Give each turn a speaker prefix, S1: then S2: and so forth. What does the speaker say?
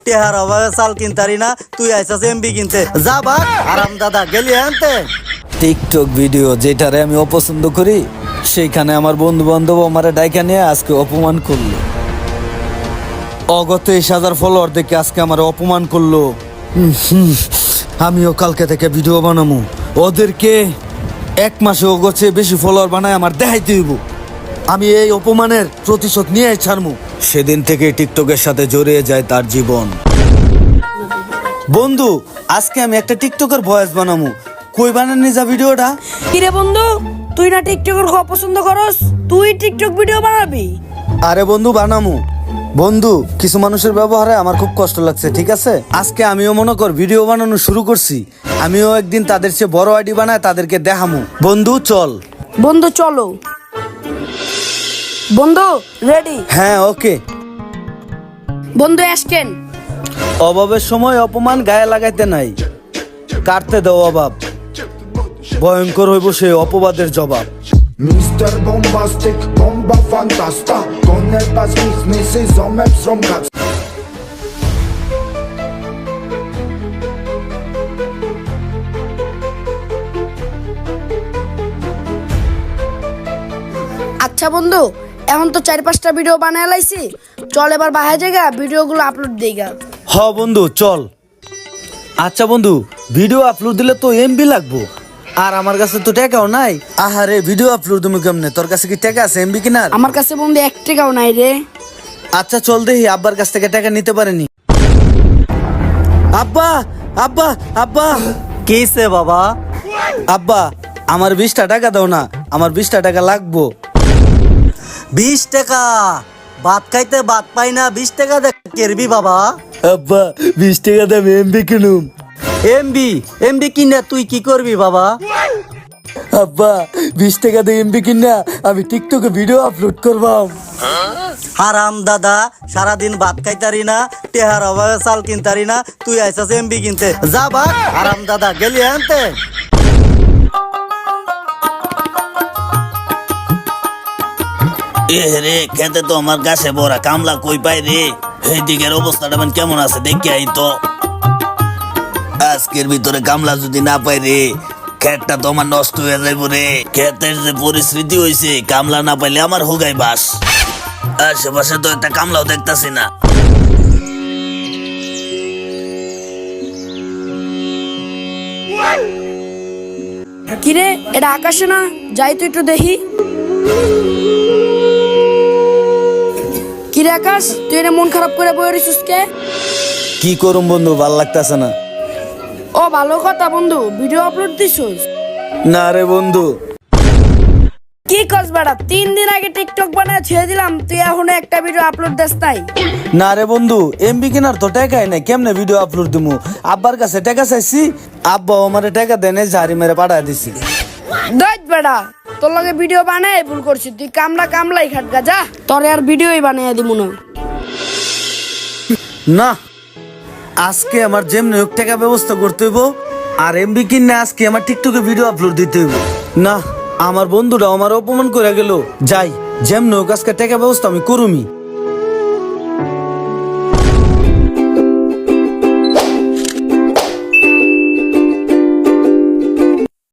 S1: টেহার অভাবে চাল কিনতারি না, তুই আইসাস এমবি কিনতে। যা বাঘ আরাম দাদা গেলি আনতে।
S2: টিকটক ভিডিও যেটারে আমি অপছন্দ করি, সেইখানে আমার বন্ধু বান্ধব আমার ডাইকা নিয়ে আজকে অপমান করলো। অগত 20,000 ফলোয়ার দেখে আজকে আমার অপমান করলো। আমিও কালকে থেকে ভিডিও বানাবো, ওদেরকে 1 মাসে অগছে বেশি ফলোয়ার বানায় আমার দেখাইতে হইব। আমি এই অপমানের প্রতিশোধ নিয়ে ছাড়বো। সেদিন থেকে টিকটকের সাথে জড়িয়ে যায় তার জীবন। বন্ধু, আজকে আমি একটা টিকটকের ভয়েস বানাবো, কই বানানি যা ভিডিওটা?
S3: কিরে বন্ধু, তুই না টিকটকের খুব পছন্দ করস, তুই টিকটক ভিডিও বানাবি?
S2: আরে বন্ধু বানামু। বন্ধু, কিছু মানুষের ব্যবহারে আমার খুব কষ্ট লাগছে, ঠিক আছে? আজকে আমিও মনে কর ভিডিও বানানো শুরু করছি, আমিও একদিন তাদের চেয়ে বড় আইডি বানায় তাদেরকে দেখামু। বন্ধু চল।
S3: বন্ধু চলো। বন্ধু রেডি?
S2: হ্যাঁ ওকে।
S3: বন্ধু অ্যাশকেন।
S2: অভাবের সময় অপমান গায়ে লাগাইতে নাই, কাটতে দাও অভাব, ভয়ঙ্কর হইব সেই অপবাদের জবাব।
S4: Mr. Bombastic, bomba fantasta Con el pasquis, Mrs. Omeps from Cats
S3: আচ্ছা বন্ধু, এখন তো 4-5টা ভিডিও বানায় লাইছি, চল এবার বাহির জায়গা ভিডিওগুলো আপলোড দেইগা।
S2: হ বন্ধু চল। আচ্ছা বন্ধু, ভিডিও আপলোড দিলে তো এমবি লাগবো, আর আমার কাছে তো টাকাও নাই। আহারে ভিডিও আপলোড তুমি কেমনে? তোর কাছে কি টাকা আছে এমবি কিনার?
S3: আমার কাছে বন্ধু 1 টাকাও নাই রে।
S2: আচ্ছা চল দেখি আব্বার কাছ থেকে টাকা নিতে পারেনি। আব্বা আব্বা আব্বা
S1: কিসে বাবা?
S2: আব্বা, আমার 20টা টাকা দাও না, আমার 20টা টাকা লাগবো।
S1: 20 টাকা? ভাত খাইতে ভাত পাই না, 20 টাকা দে কেরবি বাবা?
S2: আব্বা 20 টাকা দাম এমবি কিনুম।
S1: এমবি এমবি কিনে তুই কি করবি বাবা?
S2: আব্বা 20 টাকা দিয়ে এমবি কিনা আমি টিকটকে ভিডিও আপলোড করবাম।
S1: হারাম দাদা, সারাদিন ভাত খাইতারি না, টেহার অভাবে চাল কিনতারি না, তুই আইসাস এমবি কিনতে। যা বাঘ হারাম দাদা গেলি আনতে।
S5: এ রে, খেতে তো আমার গাছে বড়া, কামলা কই পাই রে? এই দিকের অবস্থাটা মানে কেমন আছে দেখি আই তো। আজকের ভিতরে কামলা যদি না পাই রে, খেতটা তো আমার নষ্ট হয়ে যাইব রে। খেতের যে পরিস্থিতি হয়েছে, কামলা না পাইলে আমার হোগাই বাস। আশেপাশে তো একটা কামলাও দেখতাছি না।
S3: কিরে, এটা আকাশে না? যাই তো একটু দেখি। কিরে আকাশ, তুই এটা মন খারাপ করে বই রইছিস কে?
S2: কি করুম বন্ধু, ভাল লাগতাছে না।
S3: ও ভালো কথা বন্ধু, ভিডিও আপলোড দিছিস?
S2: না রে বন্ধু।
S3: কি কস বেটা, 3 দিন আগে টিকটক বানায় ছেড়ে দিলাম, তুই এখনো একটা ভিডিও আপলোড দিস নাই?
S2: না রে বন্ধু, এমবি কেনার তো টাকাই নাই, কেমনে ভিডিও আপলোড দিমু? আব্বার কাছে টাকা চাইছি, আব্বা আমারে টাকা দেয় নাই, ঝাড়ি মেরে পাঠায় দিছি।
S3: দেখ বেটা, তোর লগে ভিডিও বানায় ভুল করছিস, তুই কামলাই খাটগা যা, তোরে আর ভিডিওই বানাইয়া দিমু না।
S2: না, আজকে আমার যেমনি হোক টাকা ব্যবস্থা করতে হইব, আর এমবি কিনে আজকে আমার টিকটকে ভিডিও আপলোড দিতে হইব। না, আমার বন্ধুরা আমার অপমান করে গেল, যাই যেমনি হোক আজকে টাকা ব্যবস্থা আমি করুমি।